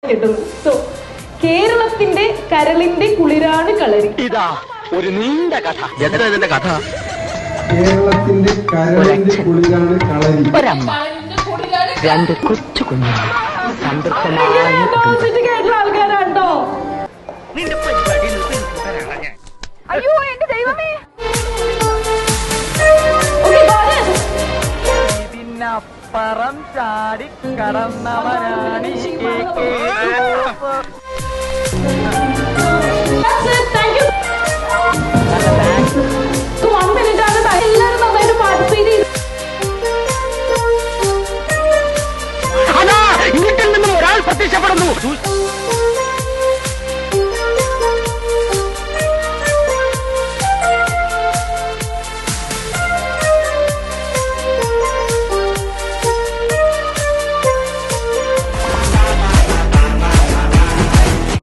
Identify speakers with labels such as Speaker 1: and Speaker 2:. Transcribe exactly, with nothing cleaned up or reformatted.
Speaker 1: So കേരളത്തിന്റെ കരളിന്റെ കുളിരാണ് കളരി.
Speaker 2: ഇതാ ഒരു നീണ്ട കഥ. എത്ര ഇതിന്റെ കഥ?
Speaker 3: കേരളത്തിന്റെ കരളിന്റെ കുളിരാണ് കളരി.
Speaker 2: ഒരമ്മ, രണ്ട് കൊച്ചു കുഞ്ഞുങ്ങൾ, സംതൃപ്തമായ
Speaker 1: കേട്ടുള്ള ആൾക്കാരാണ്ടോ? അയ്യോ എന്റെ ദൈവമേ.
Speaker 2: ഇതിനപ്പുറം ചാടി കടന്നവനാണ്
Speaker 1: എല്ലാരും നന്നായിട്ട് പാർട്ടിസിപ്പേറ്റ് ചെയ്തു.
Speaker 2: വീട്ടിൽ നിന്നും ഒരാൾ പ്രത്യക്ഷപ്പെടുന്നു.